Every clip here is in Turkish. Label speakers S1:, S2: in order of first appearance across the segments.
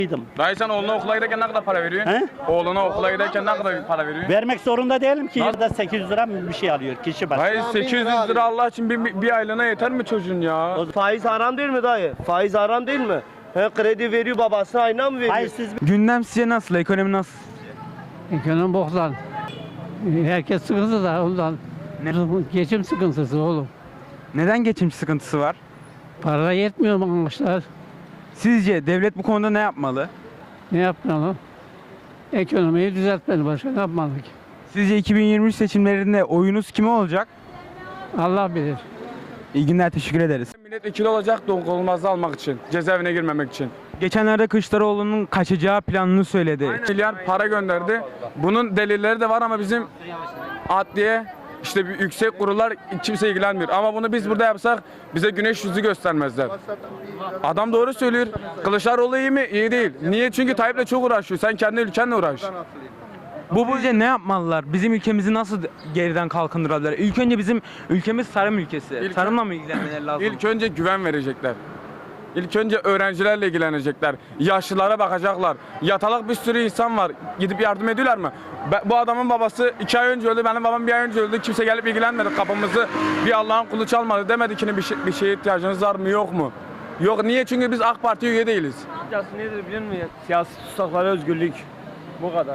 S1: Dayı sen oğluna okula giderken ne kadar para veriyorsun?
S2: He?
S1: Oğluna okula giderken ne kadar para veriyorsun?
S2: Vermek zorunda değilim ki. Yılda 800 lira mı bir şey alıyor kişi başı.
S1: Dayı 800 lira Allah için bir aylığına yeter mi çocuğun ya?
S3: Faiz haram değil mi dayı? Faiz haram değil mi? He, kredi veriyor babasına ayna mı veriyor?
S2: Hayır siz
S4: Gündem sizce nasıl? Ekonomi nasıl?
S5: Ekonomi boktan. Herkes sıkıntı da ondan. Geçim sıkıntısı oğlum.
S4: Neden geçim sıkıntısı var?
S5: Para yetmiyor maaşlar.
S4: Sizce devlet bu konuda ne yapmalı?
S5: Ne yapmalı? Ekonomiyi düzeltmeli. Başka ne yapmalı ki?
S4: Sizce 2023 seçimlerinde oyunuz kime olacak?
S5: Allah bilir.
S4: İyi günler, teşekkür ederiz.
S1: Milletvekili olacak dokunulmazlığı almak için, cezaevine girmemek için.
S4: Geçenlerde Kılıçdaroğlu'nun kaçacağı planını söyledi.
S1: Milyar para gönderdi. Bunun delilleri de var ama bizim adliye işte bir yüksek kurullar kimse ilgilenmiyor. Ama bunu biz burada yapsak bize güneş yüzü göstermezler. Adam doğru söylüyor. Kılıçdaroğlu iyi mi? İyi değil. Niye? Çünkü Tayyip'le çok uğraşıyor. Sen kendi ülkenle uğraş.
S4: Sizce ne yapmalılar? Bizim ülkemizi nasıl geriden kalkındırabilirler? İlk önce bizim ülkemiz tarım ülkesi. Tarımla mı ilgilenmeleri lazım?
S1: İlk önce güven verecekler. İlk önce öğrencilerle ilgilenecekler. Yaşlılara bakacaklar. Yatalak bir sürü insan var. Gidip yardım ediyorlar mı? Bu adamın babası 2 ay önce öldü. Benim babam 1 ay önce öldü. Kimse gelip ilgilenmedi. Kapımızı bir Allah'ın kulu çalmadı. Demedi ki bir şeye ihtiyacınız var mı yok mu? Yok. Niye? Çünkü biz AK Parti üye değiliz.
S3: Kısacası nedir biliyor musun? Siyasi tutsaklara özgürlük. Bu kadar.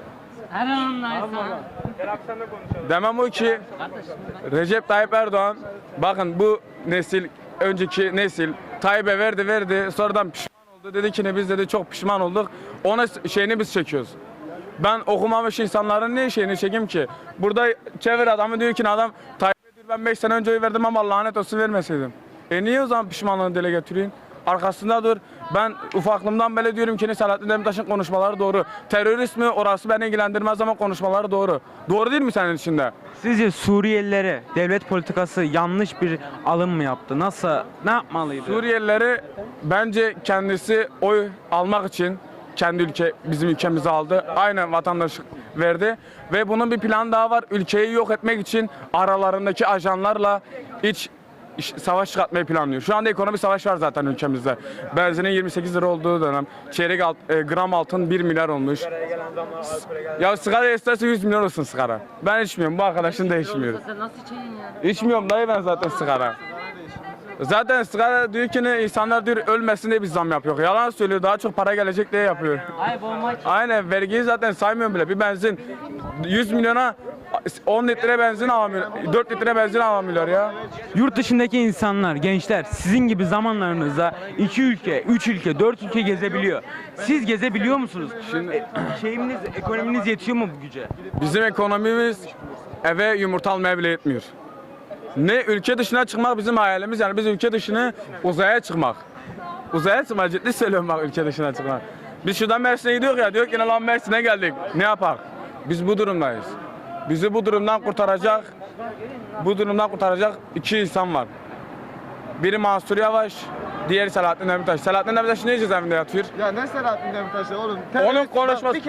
S1: Demem o ki Recep Tayyip Erdoğan bakın bu nesil önceki nesil Tayyip'e verdi sonradan pişman oldu dedi ki ne biz dedi çok pişman olduk ona şeyini biz çekiyoruz. Ben okumamış insanların ne şeyini çekeyim ki? Burada çevir adamı diyor ki adam Tayyip'e diyor ben 5 sene önce oy verdim ama lanet olsun vermeseydim. Niye o zaman pişmanlığını dile getiriyorsun? Arkasında dur. Ben ufaklığımdan beri diyorum ki Selahattin Demirtaş'ın konuşmaları doğru. Terörist mi orası beni ilgilendirmez ama konuşmaları doğru. Doğru değil mi senin içinde?
S4: Sizce Suriyelilere devlet politikası yanlış bir alım mı yaptı? Ne yapmalıydı?
S1: Suriyelileri bence kendisi oy almak için kendi bizim ülkemizi aldı. Aynen vatandaşlık verdi. Ve bunun bir planı daha var. Ülkeyi yok etmek için aralarındaki ajanlarla savaş çıkartmayı planlıyor. Şu anda ekonomik savaş var zaten ülkemizde. Benzinin 28 lira olduğu dönem. Gram altın 1 milyar olmuş. Ya sigara isterse 100 milyon olsun sigara. Ben içmiyorum. Bu arkadaşın da içmiyor.
S6: Sen nasıl içeceksin ya?
S1: İçmiyorum dayı ben zaten sigara. Zaten sigara diyor ki insanlar diyor ölmesin diye bir zam yapıyor. Yalan söylüyor. Daha çok para gelecek diye yapıyor.
S6: Ay bomba
S1: Aynen vergiyi zaten saymıyorum bile. Bir benzin 100 milyona 10 litre benzin alamıyor. 4 litre benzin alamıyorlar ya.
S4: Yurt dışındaki insanlar, gençler sizin gibi zamanlarınızda 2 ülke, 3 ülke, 4 ülke gezebiliyor. Siz gezebiliyor musunuz? Şimdi ekonominiz yetiyor mu bu güce?
S1: Bizim ekonomimiz eve yumurta almaya bile yetmiyor. Ne ülke dışına çıkmak bizim hayalimiz yani biz ülke dışına uzaya çıkmak. Uzaya çıkmak ciddi söylüyorum bak ülke dışına çıkmak. Biz şuradan Mersin'e gidiyoruz ya diyor ki lan Mersin'e geldik ne yapar? Biz bu durumdayız. Bizi bu durumdan kurtaracak 2 insan var. Biri Mansur Yavaş, diğeri Selahattin Demirtaş. Selahattin Demirtaş niye cezaevinde yatıyor?
S7: Ya ne Selahattin Demirtaş'ı oğlum?
S1: Onun konuşması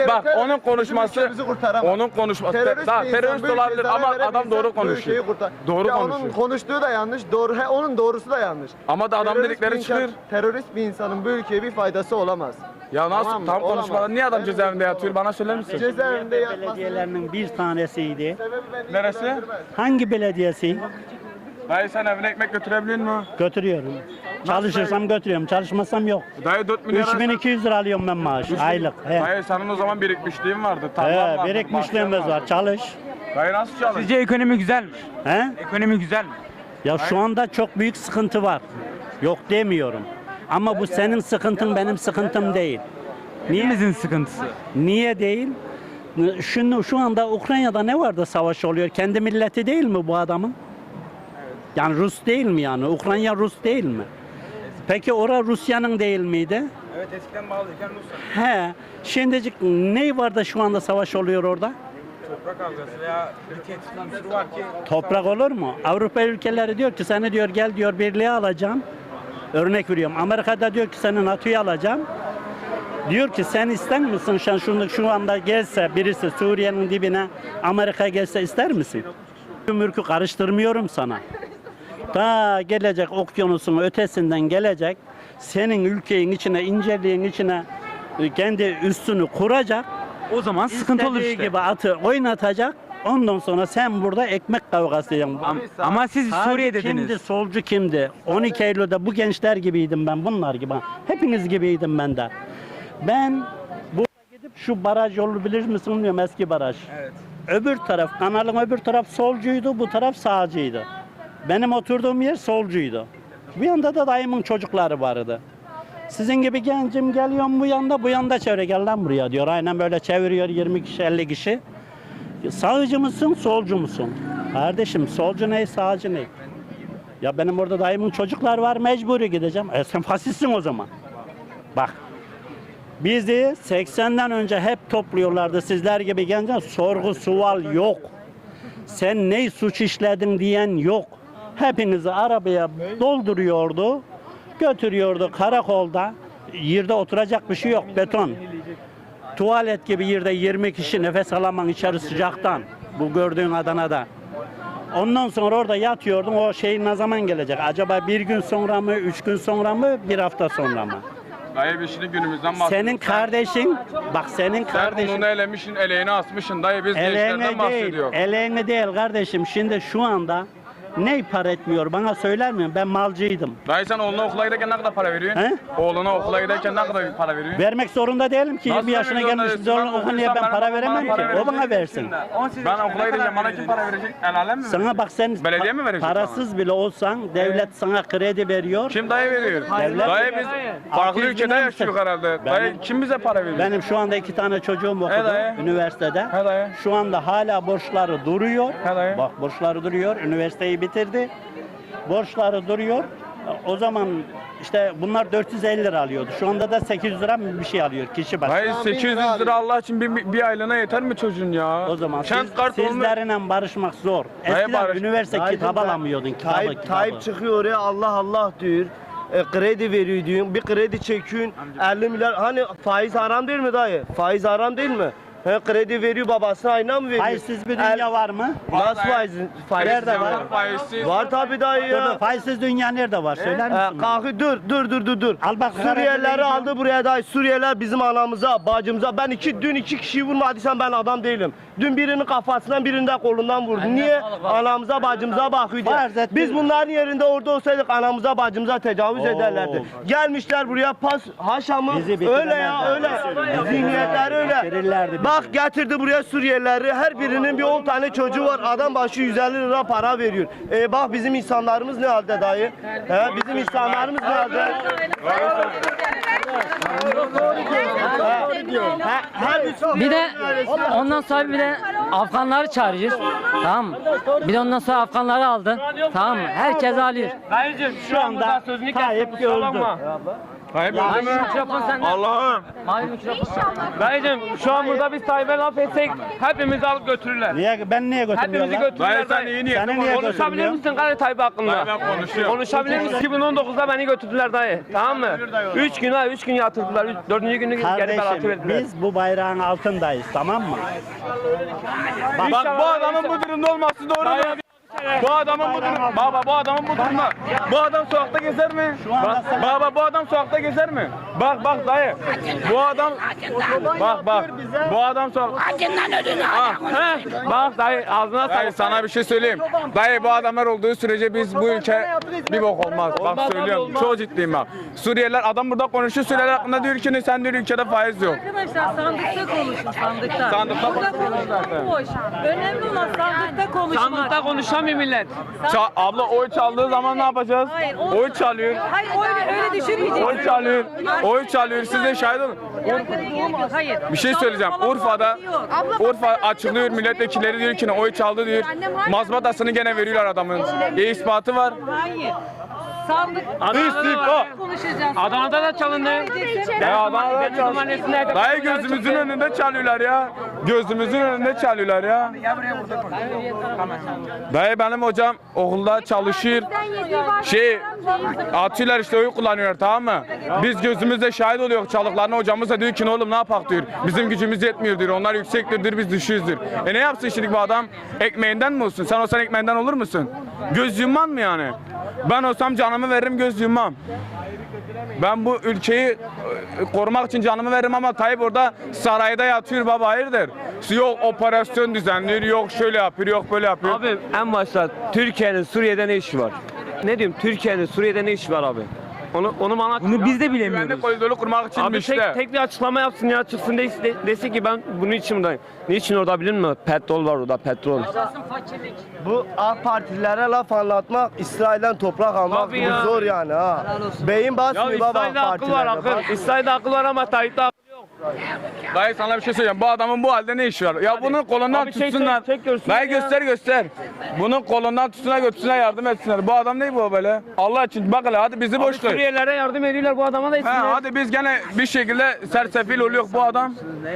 S1: terörist olabilir ama adam doğru konuşuyor. Doğru konuşuyor.
S7: Onun konuştuğu da yanlış, onun doğrusu da yanlış.
S1: Ama da adam dedikleri çıkıyor.
S7: Terörist bir insanın bu ülkeye bir faydası olamaz.
S1: Ya nasıl
S7: Tamam mı?
S1: tam
S7: Olamaz.
S1: konuşmalar niye adam cezaevinde yatıyor bana söyler misin?
S7: Cezaevinde yatması
S2: belediyelerinin bir tanesiydi.
S1: Neresi?
S2: Hangi belediyesi?
S1: Dayı sen evine ekmek götürebiliyor musun?
S2: Götürüyorum. Çalışırsam götürüyorum, çalışmasam yok.
S1: Dayı 4 milyar.
S2: 3200 lira alıyorum ben maaş aylık. He.
S1: Dayı senin o zaman birikmişliğin vardı. Tarlan vardı,
S2: Birikmişliğimiz
S1: bahçen
S2: var. Çalış.
S1: Dayı nasıl çalış?
S4: Sizce ekonomi güzel mi?
S2: He?
S4: Ekonomi güzel mi?
S2: Ya şu anda çok büyük sıkıntı var. Yok demiyorum. Ama bu senin sıkıntın benim sıkıntım değil.
S4: Hepimizin sıkıntısı.
S2: Niye değil? Şu anda Ukrayna'da ne var da savaş oluyor? Kendi milleti değil mi bu adamın? Yani Rus değil mi yani? Ukrayna Rus değil mi? Peki orada Rusya'nın değil miydi?
S4: Evet eskiden bağlıyken Rusya.
S2: He. Şimdicik ne var da şu anda savaş oluyor orada?
S4: Toprak kavgası veya bir tehdit unsuru var ki.
S2: Toprak olur mu? Avrupa ülkeleri diyor ki seni diyor gel diyor birliğe alacağım. Örnek veriyorum. Amerika'da diyor ki seni NATO'ya alacağım. Diyor ki sen ister misin şu anda gelse birisi Suriye'nin dibine Amerika gelse ister misin? Mürkü karıştırmıyorum sana. Ta gelecek okyanusun ötesinden gelecek senin ülkenin içine inceliğin içine kendi üstünü kuracak.
S4: O zaman sıkıntı olur
S2: istediği
S4: işte.
S2: gibi atı oynatacak. Ondan sonra sen burada ekmek kavgası yapacaksın.
S4: Ama siz
S2: Sağcı
S4: Suriye dediniz.
S2: kimdi, solcu kimdi? 12 Eylül'de bu gençler gibiydim ben, bunlar gibi. Hepiniz gibiydim ben de. Ben burada gidip şu baraj yolu bilir misin bilmiyorum, eski baraj.
S4: Evet.
S2: Öbür taraf, kanalın öbür taraf solcuydu, bu taraf sağcıydı. Benim oturduğum yer solcuydu. Bu yanda da dayımın çocukları vardı. Sizin gibi gencim geliyorum bu yanda çevre, gel lan buraya diyor. Aynen böyle çeviriyor 20 kişi 50 kişi. Sağcı mısın, solcu musun? Kardeşim solcu ne, sağcı ne? Ya benim orada dayımın çocuklar var, mecburi gideceğim. Sen faşistsin o zaman. Bak. Bizi 80'den önce hep topluyorlardı sizler gibi gençler. Sorgu sual yok. Sen ne suç işledin diyen yok. Hepinizi arabaya dolduruyordu. Götürüyordu karakolda. Yerde oturacak bir şey yok, beton. Tuvalet gibi yerde 20 kişi nefes alamam içeri sıcaktan. Bu gördüğün Adana'da. Ondan sonra orada yatıyordum. O şey ne zaman gelecek? Acaba bir gün sonra mı, 3 gün sonra mı, bir hafta sonra mı?
S1: Dayı biz şimdi günümüzden bahsediyoruz.
S2: Senin kardeşin, bak senin
S1: Sen
S2: kardeşin.
S1: onu elemişsin, eleğini asmışsın. Dayı biz gençlerden
S2: Eleğini değil,
S1: bahsediyoruz.
S2: eleğini değil kardeşim. Şimdi şu anda ne para etmiyor bana söyler misin? Ben malcıydım.
S1: Dayı sen oğluna okula giderken ne kadar para veriyorsun?
S2: He?
S1: Oğluna okula giderken ne kadar para veriyorsun?
S2: Vermek zorunda değilim ki.
S1: Nasıl
S2: 20 yaşına
S1: vermek
S2: gelmiş
S1: zorundayız?
S2: zorla
S1: Ben
S2: okunuyor, ben
S1: okursam
S2: para
S1: bana
S2: veremem
S1: para
S2: ki. O bana versin.
S1: Ben okula gideceğim, bana kim para verecek? El alem mi
S2: Sana
S1: verecek?
S2: bak sen
S1: Belediye mi verecek
S2: parasız bile olsan devlet sana kredi veriyor.
S1: Kim dayı veriyor?
S2: Devlet-
S1: Dayı biz farklı
S2: 600
S1: ülkede
S2: bin
S1: yaşıyoruz
S2: misin?
S1: herhalde.
S2: Benim-
S1: Dayı kim bize para veriyor?
S2: Benim şu anda 2 tane çocuğum okudu
S1: dayı.
S2: üniversitede.
S1: He dayı.
S2: Şu anda hala borçları duruyor.
S1: He dayı.
S2: Bak borçları duruyor. Üniversiteyi bitirdi. Borçları duruyor. O zaman işte bunlar 450 lira alıyordu. Şu anda da 800 lira mı bir şey alıyor kişi başı.
S1: Dayı 800 lira Allah için bir aylığına yeter mi çocuğun ya?
S2: O zaman
S1: Kent kart olmuyor.
S2: sizlerle barışmak zor.
S1: Dayı
S2: Eskiden
S1: barış-
S2: üniversite
S3: Dayıcım
S2: kitap
S3: ben-
S2: alamıyordun. Kitabı.
S3: Tayyip çıkıyor oraya Allah Allah diyor. Kredi veriyor diyor. Bir kredi çekiyorsun 50 milyar. Hani faiz haram değil mi dayı? Faiz haram değil mi? Kredi veriyor babasına ayna mı veriyor?
S2: Faizsiz bir dünya var mı?
S3: Nasıl faiz? Faiz
S2: Nerede var?
S1: Faizsiz.
S3: Var tabii dayı
S2: Dur,
S3: ya.
S2: dur, faizsiz dünya nerede var? Söyler misin? bana?
S3: Kalkı dur.
S2: Al bak,
S3: Suriyelileri
S2: Karadeniz'e
S3: aldı buraya dayı. Suriyeliler bizim anamıza, bacımıza. Ben dün iki kişiyi vurmadıysam ben adam değilim. Dün birinin kafasından birinin de kolundan vurdu. Niye? Anamıza bacımıza bakıyor
S2: Farz
S3: diye.
S2: et-
S3: Biz bunların yerinde orada olsaydık anamıza bacımıza tecavüz ederlerdi. Gelmişler buraya haşamı
S2: Bizi
S3: öyle ya
S2: bitiremezler.
S3: öyle. Zihniyetleri öyle.
S2: Bitirirlerdi bizi.
S3: Bak getirdi buraya Suriyelileri. Her birinin bir 10 tane çocuğu var. Adam başı 150 lira para veriyor. Bak bizim insanlarımız ne halde dayı? Bizim insanlarımız ne halde?
S6: Bir de ondan sonra bir de Afganları çağırıyoruz. Tamam mı? Bir de ondan sonra Afganları aldın. Tamam mı? Herkes alıyor.
S2: Şu anda Tayyip öldü.
S1: Tayyip öldü mü?
S6: Mikrofon sende.
S1: Allah'ım.
S6: Mavi mikrofon.
S8: Dayıcım şu an burada biz Tayyip'e laf etsek hepimizi alıp götürürler.
S2: Ben niye
S8: Hepimizi
S2: götürmüyorlar?
S1: Dayı
S8: götürürler.
S1: sen iyi niyetli
S2: Seni niye
S1: konuşuyorsun.
S8: Konuşabilir misin Kare Tayyip hakkında?
S1: Dayı ben konuşuyorum.
S8: Konuşabilir misin? 2019'da beni götürdüler dayı. Tamam mı? 3 gün yatırdılar. 4. günü geri beraatı
S2: Kardeşim
S8: verdiler.
S2: biz bu bayrağın altındayız, tamam mı?
S1: Bak bu adamın bu durumda olması doğru mu? Bu adamın bu durumda. Baba bu adamın bu durumda. Bu adam sokakta gezer mi? Baba bu adam sokakta gezer mi? Bak dayı. Bu adam bak. Bu adam
S8: Bak dayı ağzına
S1: Dayı sana bir şey söyleyeyim. Dayı bu adamlar olduğu sürece biz bu ülke bir bok olmaz. Bak söylüyorum. Çok ciddiyim bak. Suriyeliler adam burada konuşuyor. Suriyeliler hakkında diyor ki sen diyor ülkede faiz yok.
S9: Arkadaşlar sandıkta konuşun sandıkta.
S1: Sandıkta
S9: Burada
S1: konuşun zaten.
S9: boş. Önemli olan sandıkta konuşmak.
S8: sandıkta konuşamıyor millet.
S1: Abla oy çaldığı zaman ne yapacağız?
S9: Hayır,
S1: Oy çalıyor.
S9: Hayır öyle düşünmeyeceksin.
S1: Oy çalıyor. Oy çalıyor. Siz de şahit olun.
S9: Hayır.
S1: Bir şey söyleyeceğim. Urfa açıklıyor, milletvekilleri diyor ki oy çaldı diyor. Mazbatasını gene veriyorlar adamın. İspatı var.
S9: Hayır. Sandık
S1: İstifa.
S9: konuşacağız.
S8: Adana'da da çalındı.
S1: Ya Adana'da
S8: Deniz
S1: çalıyor.
S8: Mahallesi'nde
S1: Dayı gözümüzün önünde çalıyorlar ya. Gözümüzün önünde çalıyorlar ya. Dayı benim hocam okulda çalışıyor. Atıyorlar işte oy kullanıyorlar, tamam mı? Biz gözümüzle şahit oluyoruz çalıklarına, hocamız da diyor ki oğlum ne yapak diyor. Bizim gücümüz yetmiyor diyor. Onlar yüksektir diyor, biz düşüyoruz diyor. Ne yapsın şimdi bu adam? Ekmeğinden mi olsun? Sen olsan ekmeğinden olur musun? Göz yumman mı yani? Ben olsam canımı veririm, göz yummam. Ben bu ülkeyi korumak için canımı veririm ama Tayyip orada sarayda yatıyor baba, hayırdır? Yok operasyon düzenliyor, yok şöyle yapıyor, yok böyle yapıyor.
S8: Abi en başta Türkiye'nin Suriye'de ne işi var? Ne diyeyim, Türkiye'nin Suriye'de ne işi var abi? Onu bana
S4: Bunu biz de
S1: Güvenlik
S4: bilemiyoruz.
S1: koridoru kurmak için
S8: Abi
S1: işte.
S8: tek bir açıklama yapsın ya, çıksın desin ki ben bunun için buradayım. Niçin orada bilir mi? Petrol var orada, petrol.
S3: Bu AK Partililere laf anlatmak, İsrail'den toprak almak
S8: Tabii ya.
S3: bu zor yani ha. Beyin
S8: Ya
S3: basmıyor baba
S8: İsrail'de
S3: AK
S8: akıl var
S3: Partililerde.
S8: akıl. İsrail'de akıl var ama Tayyip'te akıl yok.
S1: Dayı sana bir şey söyleyeceğim. Bu adamın bu halde ne işi var? Ya bunun kolundan
S8: Abi şey
S1: tutsunlar.
S8: çek görsün
S1: Dayı
S8: ya.
S1: göster. Bunun kolundan tutsunlar, götürsünler, yardım etsinler. Bu adam ne bu böyle? Allah için bak hele, hadi bizi
S8: Abi
S1: boş ver.
S8: Suriyelilere yardım ediyorlar, bu adama da etsinler.
S1: Hadi biz gene bir şekilde sersefil oluyor bu adam.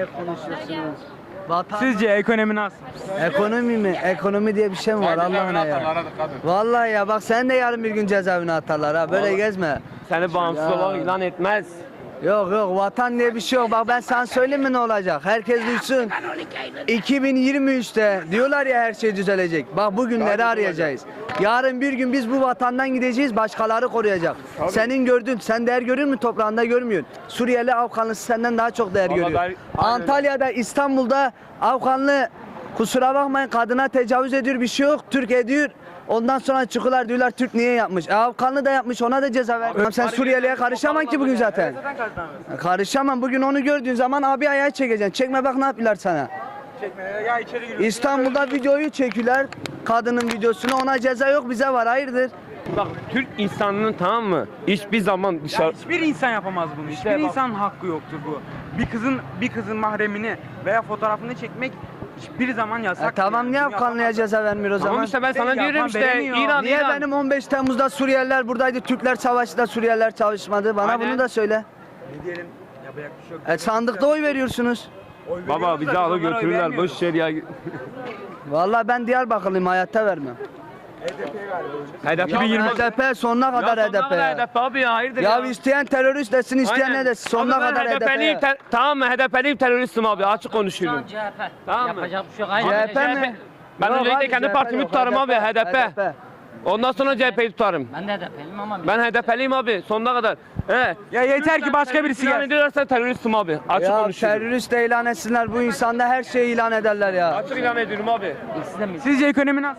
S4: Sizce ekonomi nasıl?
S10: Ekonomi mi? Ekonomi diye bir şey mi var Allah'ına ya? Vallahi ya bak sen de yarın bir gün cezaevine atarlar ha. Böyle gezme.
S8: Seni bağımsız olarak ilan etmez.
S10: Yok vatan diye bir şey yok. Bak ben sana söyleyeyim mi ne olacak? Herkes duysun. 2023'te diyorlar ya her şey düzelecek. Bak bugünleri arayacağız. Yarın bir gün biz bu vatandan gideceğiz, başkaları koruyacak. Senin gördün, sen değer görür mü toprağında görmüyorsun. Suriyeli Afganlısı senden daha çok değer görüyor.
S8: aynen.
S10: Antalya'da, İstanbul'da Afganlı kusura bakmayın kadına tecavüz ediyor, bir şey yok. Türk ediyor. Ondan sonra çıkıyorlar diyorlar Türk niye yapmış? Afganlı da yapmış, ona da ceza ver. Sen Suriyeli'ye karışamam ki bugün zaten. Karışamam. Bugün onu gördüğün zaman abi ayağı çekeceksin. Çekme bak ne yapıyorlar sana. İstanbul'da videoyu çekiyorlar. Kadının videosunu, ona ceza yok, bize var. Hayırdır?
S8: Bak Türk insanının, tamam mı? Hiçbir zaman dışarı...
S4: Hiçbir insan yapamaz bunu. Hiçbir
S8: bak-
S4: insanın hakkı yoktur bu. Bir kızın mahremini veya fotoğrafını çekmek hiçbir zaman yasak.
S10: Tamam niye Afganlı'ya ceza vermiyor o zaman?
S8: Tamam işte ben sana
S4: Yapan
S8: diyorum işte
S4: veremiyor.
S8: İran,
S10: Niye
S8: İran.
S10: benim 15 Temmuz'da Suriyeliler buradaydı, Türkler savaşta Suriyeliler çalışmadı? Bana
S8: Aynen.
S10: bunu da söyle.
S4: Ne diyelim? Yapacak bir şey yok.
S10: Sandıkta oy veriyorsunuz.
S8: Baba bizi alıp götürürler, boş ver ya.
S10: Vallahi ben Diyarbakırlıyım, hayatta vermem.
S8: HDP
S4: 2020.
S10: HDP sonuna kadar
S8: Ya
S10: HDP.
S8: sonuna kadar HDP abi ya, hayırdır
S10: Ya
S8: ya.
S10: isteyen terörist desin, isteyen
S8: Aynen.
S10: ne desin, sonuna
S8: Abi ben
S10: kadar
S8: HDP'liyim,
S10: HDP.
S8: tamam mı? HDP'liyim, teröristim abi, açık konuşuyorum.
S6: CHP.
S8: Tamam mı?
S6: Yapacak bir şey yok. Hayır.
S10: CHP mi?
S8: Ben
S10: Yok
S8: öncelikle
S10: abi,
S8: kendi
S10: CHP
S8: partimi
S10: yok,
S8: tutarım abi, HDP. Ondan sonra CHP'yi tutarım.
S6: Ben de HDP'liyim ama
S8: Ben HDP'liyim abi, sonuna kadar. He.
S4: Ya yeter ki başka birisi
S8: İlan
S4: gelsin.
S8: ediyorlarsa teröristim abi, açık
S10: Ya
S8: konuşuyorum.
S10: terörist de ilan etsinler, bu insanda her şeyi ilan ederler ya.
S8: Açık ilan ediyorum abi.
S4: Sizce ekonomi nasıl?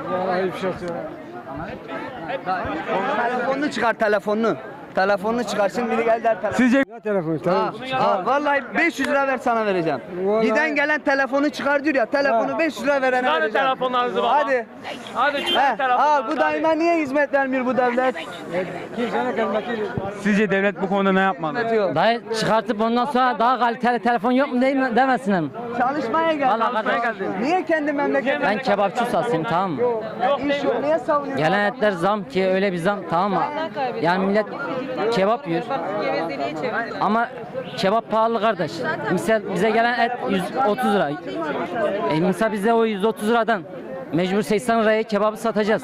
S10: Telefonunu çıkar, telefonunu. Telefonunu çıkarsın, biri gel der telefon.
S4: Sizce
S10: Vallahi 500 lira ver sana vereceğim. Giden gelen telefonu çıkar diyor ya, telefonu 500 lira verene
S8: Çıkarın
S10: vereceğim.
S8: telefonlarınızı baba.
S10: Hadi.
S8: Hadi çıkarın
S10: Al
S8: telefonlarınızı.
S10: bu daima niye hizmet vermiyor bu devlet?
S4: sizce devlet bu konuda ne yapmalı?
S10: Diyor.
S6: Dayı çıkartıp ondan sonra daha kaliteli telefon yok mu değil mi demesinler mi?
S10: Çalışmaya geldi.
S6: Vallahi kardeş.
S10: Niye kendi memleketine?
S6: Ben kebapçı ustasıyım, tamam mı?
S10: İş yok, niye savunuyorsun?
S6: Gelen etler zam ki öyle bir zam, tamam mı? Yani millet kebap yiyor. Ama kebap pahalı kardeş. Misal bize gelen et 130 lira. Misal bize o 130 liradan mecbur 80 liraya kebabı satacağız.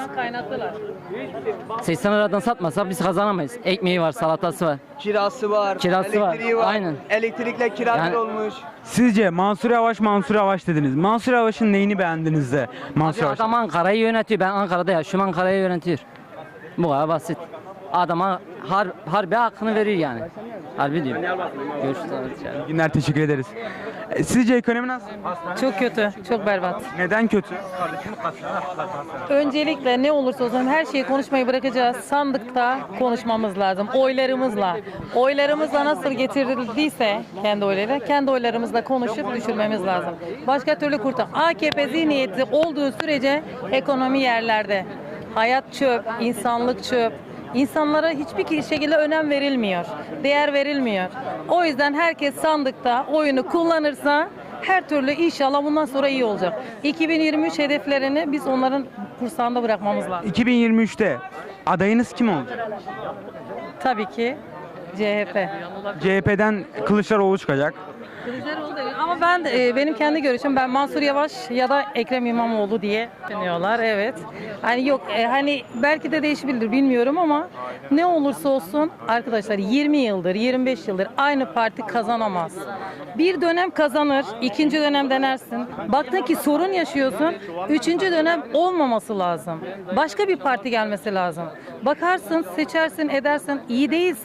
S6: 80 liradan satmasa biz kazanamayız. Ekmeği var, salatası var.
S10: Kirası var,
S6: Kirası var,
S10: elektriği var.
S6: aynen.
S10: Elektrikle kira
S6: Yani-
S10: bir olmuş.
S4: Sizce Mansur Yavaş dediniz. Mansur Yavaş'ın neyini beğendiniz de Mansur
S6: Bir
S4: Yavaş?
S6: adam Ankara'yı yönetiyor. Ben Ankara'da yaşıyorum, Ankara'yı yönetiyor. Bu kadar basit. Adama harbi hakkını veriyor yani. Harbi diyor. Görüşürüz.
S4: İyi günler, teşekkür ederiz. Sizce ekonomi nasıl?
S9: Çok kötü, çok berbat.
S4: Neden kötü?
S9: Öncelikle ne olursa olsun her şeyi konuşmayı bırakacağız. Sandıkta konuşmamız lazım. Oylarımızla. Oylarımızla nasıl getirildiyse kendi oylarıyla, kendi oylarımızla konuşup düşürmemiz lazım. Başka türlü AKP zihniyeti olduğu sürece ekonomi yerlerde. Hayat çöp, insanlık çöp. İnsanlara hiçbir şekilde önem verilmiyor. Değer verilmiyor. O yüzden herkes sandıkta oyunu kullanırsa her türlü inşallah bundan sonra iyi olacak. 2023 hedeflerini biz onların kursağında bırakmamız lazım.
S4: 2023'te adayınız kim olacak?
S9: Tabii ki CHP.
S4: CHP'den Kılıçdaroğlu çıkacak.
S9: Kılıçdaroğlu değil. Ama ben benim kendi görüşüm, ben Mansur Yavaş ya da Ekrem İmamoğlu diye düşünüyorlar, evet. Hani yok hani belki de değişebilir bilmiyorum ama ne olursa olsun arkadaşlar 20 yıldır 25 yıldır aynı parti kazanamaz. Bir dönem kazanır, ikinci dönem denersin. Baktın ki sorun yaşıyorsun, üçüncü dönem olmaması lazım. Başka bir parti gelmesi lazım. Bakarsın, seçersin, edersin, iyi değilse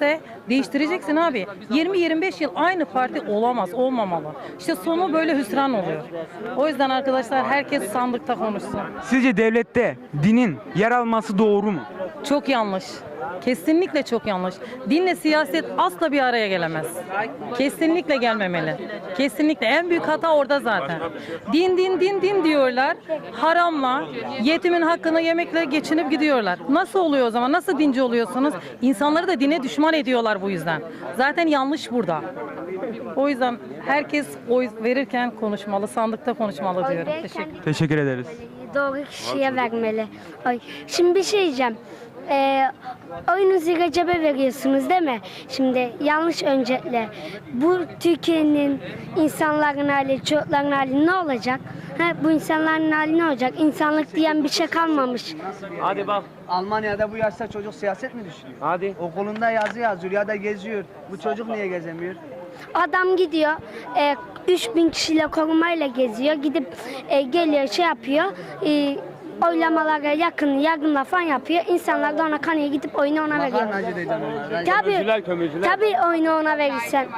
S9: Değiştireceksin abi. 20-25 yıl aynı parti olamaz, olmamalı. İşte sonu böyle hüsran oluyor. O yüzden arkadaşlar herkes sandıkta konuşsun.
S4: Sizce devlette dinin yer alması doğru mu?
S9: Çok yanlış. Kesinlikle çok yanlış. Dinle siyaset asla bir araya gelemez. Kesinlikle gelmemeli. Kesinlikle. En büyük hata orada zaten. Din diyorlar. Haramla, yetimin hakkını yemekle geçinip gidiyorlar. Nasıl oluyor o zaman? Nasıl dinci oluyorsunuz? İnsanları da dine düşman ediyorlar bu yüzden. Zaten yanlış burada. O yüzden herkes oy verirken konuşmalı, sandıkta konuşmalı diyorum.
S4: Teşekkür ederiz.
S11: Doğru kişiye vermeli. Ay, şimdi bir şey diyeceğim. Oyunuzu Recep'e veriyorsunuz değil mi? Şimdi yanlış öncelikle. Bu Türkiye'nin insanların hali, çocukların hali ne olacak? Bu insanların hali ne olacak? İnsanlık diyen bir şey kalmamış.
S8: Hadi bak.
S10: Almanya'da bu yaşta çocuk siyaset mi düşünüyor?
S8: Hadi.
S10: Okulunda yazı yazıyor ya da geziyor. Bu çocuk niye gezemiyor?
S11: Adam gidiyor, 3000 kişiyle korumayla geziyor. Gidip geliyor şey yapıyor. Oylamalara yakınla falan yapıyor. İnsanlar da ona kanıyor, gidip oyunu ona veriyor.
S10: Makarnacı diyeceğim ona.
S11: Tabii oyunu ona verirsen.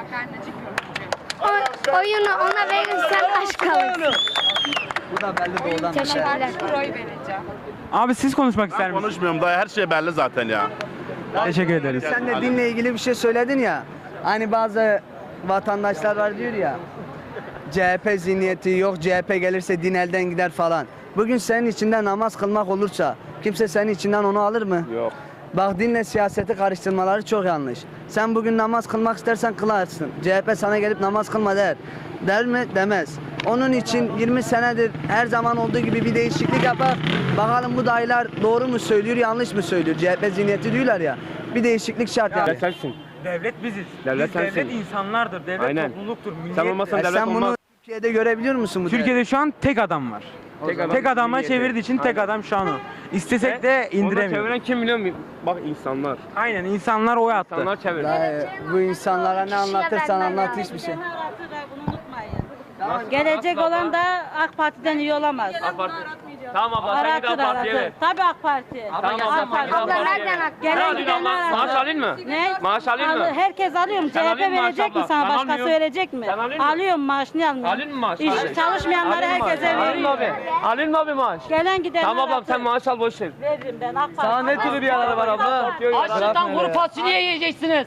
S11: Oyunu ona verirsen aşk kalırsın.
S10: Bu da belli doğudan.
S11: Teşekkürler.
S4: Abi siz konuşmak ister misiniz?
S12: Konuşmuyorum daha her şey belli zaten ya.
S4: Teşekkür ederiz.
S10: Sen de dinle ilgili bir şey söyledin ya. Hani bazı vatandaşlar var diyor ya. CHP zihniyeti yok, CHP gelirse din elden gider falan. Bugün senin içinden namaz kılmak olursa kimse senin içinden onu alır mı?
S8: Yok.
S10: Bak dinle siyaseti karıştırmaları çok yanlış. Sen bugün namaz kılmak istersen kılarsın. CHP sana gelip namaz kılma der. Der mi? Demez. Onun için 20 senedir her zaman olduğu gibi bir değişiklik yapar. Bakalım bu dayılar doğru mu söylüyor, yanlış mı söylüyor? CHP zihniyeti diyorlar ya. Bir değişiklik şart yani.
S8: Sensin.
S4: Devlet biziz.
S8: Devlet
S4: Devlet
S8: sensin.
S4: insanlardır. Devlet
S8: Aynen.
S4: topluluktur.
S8: Sen
S4: Millet.
S8: olmasan devlet
S10: Sen bunu
S8: olmaz.
S10: Türkiye'de görebiliyor musun bu
S4: Türkiye'de şu an tek adam var. Tek adama
S8: milliyeti.
S4: çevirdiği için tek adam şu an o. İstesek de
S8: Onu
S4: indiremiyor.
S8: çeviren kim biliyor musun? Bak insanlar.
S4: Aynen insanlar oy attı.
S8: İnsanlar çevir.
S10: Bu insanlara ne anlatırsan anlat hiçbir şey.
S13: Gelecek olan da AK Parti'den iyi olamaz.
S8: AK Parti. Tamam abla sen git AK Parti'ye ver.
S13: Tabii AK Parti.
S8: Tamam abla sen git AK
S11: Abla
S8: Parti'ye
S11: nereden
S8: ver.
S11: AK
S8: Ne
S13: Gelen
S8: alıyorsun abla?
S13: gidenler
S8: Maaş
S13: aldı.
S8: alayım mı?
S13: Ne?
S8: Maaş alayım mı?
S13: Herkes alıyor mu?
S8: Sen
S13: CHP
S8: alıyorsun maaş
S13: verecek mi
S8: abla?
S13: sana?
S8: Ben
S13: Başkası
S8: almıyorum.
S13: verecek mi?
S8: Sen alıyor musun?
S13: Alıyorum maaş, niye almıyorum?
S8: Alayım mı maaş?
S13: İş çalışmayanlara herkese
S8: Alayım mı
S13: veriyor.
S8: abi? Alayım mı abi maaş?
S13: Gelen gidenler
S8: Tamam ablam
S13: aldı.
S8: sen maaş al boş ver.
S13: Veririm ben AK Parti.
S8: Sana ne türlü bir arada var abla?
S6: Açlıktan kuru fasulye yiyeceksiniz.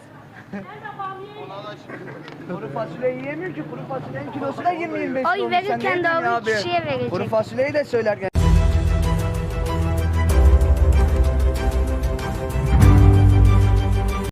S10: Kuru fasulye yiyemiyor ki. Kuru fasulyenin kilosu da 20-25
S11: Oy verirken doğru kişiye verecek.
S10: Kuru fasulyeyi de söylerken